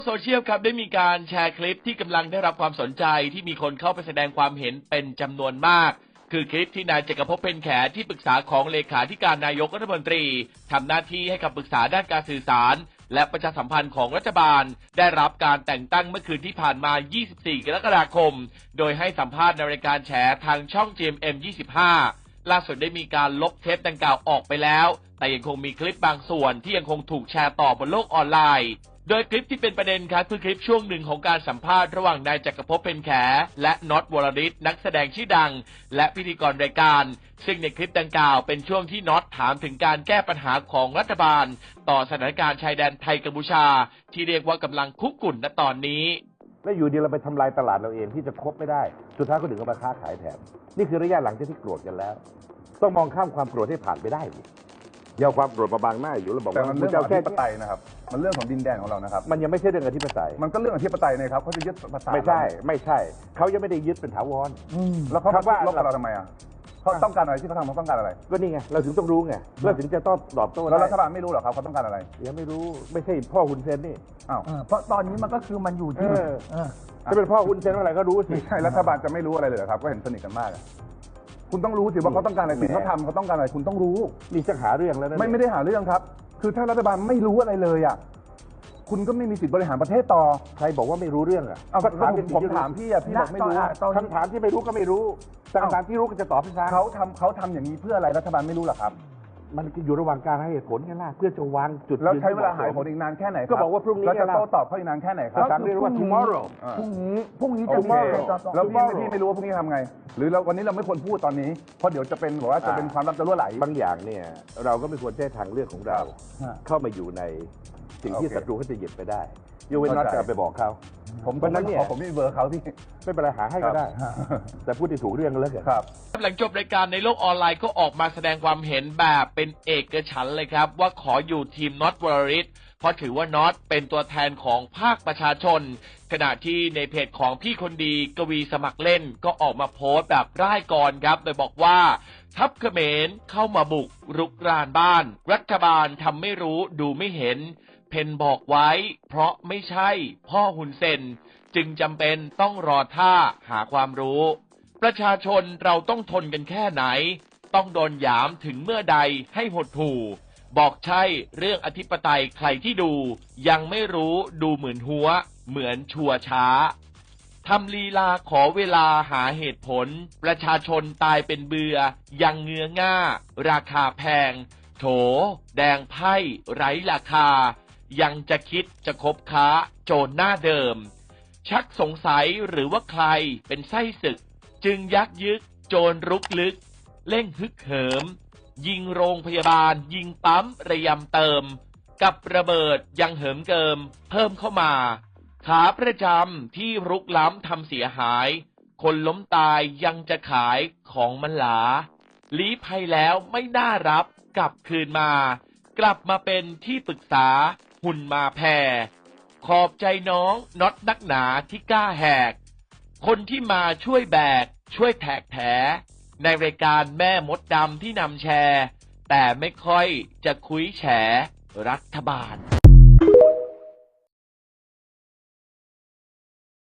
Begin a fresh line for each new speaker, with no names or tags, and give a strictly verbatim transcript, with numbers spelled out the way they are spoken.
โซเชียลครับได้มีการแชร์คลิปที่กำลังได้รับความสนใจที่มีคนเข้าไปแสดงความเห็นเป็นจำนวนมากคือคลิปที่นายจักรภพ เพ็ญแขที่ปรึกษาของเลขาธิการนายกรัฐมนตรีทำหน้าที่ให้คำปรึกษาด้านการสื่อสารและประชาสัมพันธ์ของรัฐบาลได้รับการแต่งตั้งเมื่อคืนที่ผ่านมา ยี่สิบสี่ กรกฎาคมโดยให้สัมภาษณ์ในรายการแฉทางช่อง จี เอ็ม เอ็ม ยี่สิบห้า ล่าสุดได้มีการลบเทปดังกล่าวออกไปแล้วแต่ยังคงมีคลิปบางส่วนที่ยังคงถูกแชร์ต่อบนโลกออนไลน์โดยคลิปที่เป็นประเด็นครับคือคลิปช่วงหนึ่งของการสัมภาษณ์ระหว่างนายจักรภพ เพ็ญแขและน็อต วรริศนักแสดงชื่อดังและพิธีกรรายการซึ่งในคลิปดังกล่าวเป็นช่วงที่น็อตถามถึงการแก้ปัญหาของรัฐบาลต่อสถานการณ์ชายแดนไทยกัมพูชาที่เรียกว่ากำลังคุกกุ่นณตอนนี้
แล้วอยู่ดีเราไปทำลายตลาดเราเองที่จะคบไม่ได้สุดท้ายก็ถึงกับมาค้าขายแทนนี่คือระยะหลังที่โกรธกันแล้วต้องมองข้ามความโกรธให้ผ่านไปได้อย่าเอาความโกรธมาบังหน้าอยู่แล้วบอกว่า
มันเรื่องของอธิปไตยนะครับมันเรื่องของดินแดนของเรานะครับ
มันยังไม่ใช่เรื่องอธิปไตย
มันก็เรื่องอธิปไตยนะครับเขาจะยึดภาษา
ไม่ใช่ไม่ใช่เขายังไม่ได้ยึดเป็นถาวร
แล้วเขาว่าลบกับเราทำไมอ่ะเขาต้องการอะไรที่เขาทำเขาต้องการอะไร
ก็นี่ไงเราถึงต้องรู้ไงเราถึงจะต้องตอบโต้
แล้วรัฐบาลไม่รู้หรอครับเขาต้องการอะไร
ยังไม่รู้ไม่ใช่พ่อฮุนเซนนี่
อ้าว
เพราะตอนนี้มันก็คือมันอยู่ที่
จะเป็นพ่อฮุนเซนอะไรก็รู้สิ
ใช่รัฐบาลจะไม่รู้อะไรเลยครับก็เห็นสนิทกันมากคุณต้องรู้สิว่าเขาต้องการอะไรสิ่งเขาทำเขาต้องการอะไรคุณต้องรู้
นี่จะหาเรื่องแล้วนะ
ไม่ไม่ได้หาเรื่องครับคือถ้ารัฐบาลไม่รู้อะไรเลยอ่ะคุณก็ไม่มีสิทธิ์บริหารประเทศต่อ
ใครบอกว่าไม่รู้เรื่องอ่ะ
เอาถามผมถามพี่อ่ะพี่บอกไม่รู้
คำถามที่ไม่รู้ก็ไม่รู้คำถามที่รู้ก็จะตอบให้ฟัง
เขาทำเขาทำอย่างนี้เพื่ออะไรรัฐบาลไม่รู้หรอครับ
มันอยู่ระหว่างการให้เหตุผลกันล่ะเพื่อจะวางจุด
แล้วใช้เวลาหาเหตุผลอีกนานแค่ไหน
ก็บอกว่าพรุ่งนี้
เราจะโต้ตอบเขาอีกนานแค่ไหนครับ
ถามเรียกว่า tomorrow
พรุ่งนี้พรุ่งนี้
จะมีแล้วพี่พี่ไม่รู้ว่าพรุ่งนี้ทำไงหรือเราวันนี้เราไม่ควรพูดตอนนี้เพราะเดี๋ยวจะเป็นบอกว่าจะเป็นความลับจะรั่วไหล
บางอย่างเนี่ยเราก็ไม่ควรใช้ทางเลือกของเราเข้ามาอยู่ในสิ่งที่ศัตรูเขาจะหยิบไปได้ยูเวนน็อตจะไปบอกเขา
ผมวันนั้นเนี่ยผมไม่มีเบอร์เขาที่
ไม่เป็นไรหาให้ก็ได้แต่พูดที่ถูกเรื่องแล้วกัน
ครับหลังจบรายการในโลกออนไลน์ก็ออกมาแสดงความเห็นแบบเป็นเอกฉันท์เลยครับว่าขออยู่ทีมน็อต วรริศเพราะถือว่าน็อตเป็นตัวแทนของภาคประชาชนขณะที่ในเพจของพี่คนดีกวีสมัครเล่นก็ออกมาโพสต์แบบร่ายกรครับโดยบอกว่าทัพเขมรเข้ามาบุกรุกรานบ้านรัฐบาลทำไม่รู้ดูไม่เห็นเพนบอกไว้เพราะไม่ใช่พ่อฮุนเซนจึงจำเป็นต้องรอท่าหาความรู้ประชาชนเราต้องทนกันแค่ไหนต้องโดนหยามถึงเมื่อใดให้หดหู่บอกใช่เรื่องอธิปไตยใครที่ดูยังไม่รู้ดูเหมือนหัวเหมือนชัวช้าทำลีลาขอเวลาหาเหตุผลประชาชนตายเป็นเบื่อยังเงื้อง่าราคาแพงโถแดงไพ่ไร้ราคายังจะคิดจะคบค้าโจรหน้าเดิมชักสงสัยหรือว่าใครเป็นไส้ศึกจึงยักยึกโจรรุกลึกเร่งฮึกเหิมยิงโรงพยาบาลยิงปั๊มระยำเติมกับระเบิดยังเหิมเกิมเพิ่มเข้ามาขาประจำที่รุกล้ำทำเสียหายคนล้มตายยังจะขายของมันหลาลี้ภัยแล้วไม่น่ารับกลับคืนมากลับมาเป็นที่ปรึกษาหุ่นมาแผ่ขอบใจน้องน็อตนักหนาที่กล้าแหกคนที่มาช่วยแบกช่วยแทกแถในรายการแม่มดดำที่นำแชร์แต่ไม่ค่อยจะคุยแฉรัฐบาล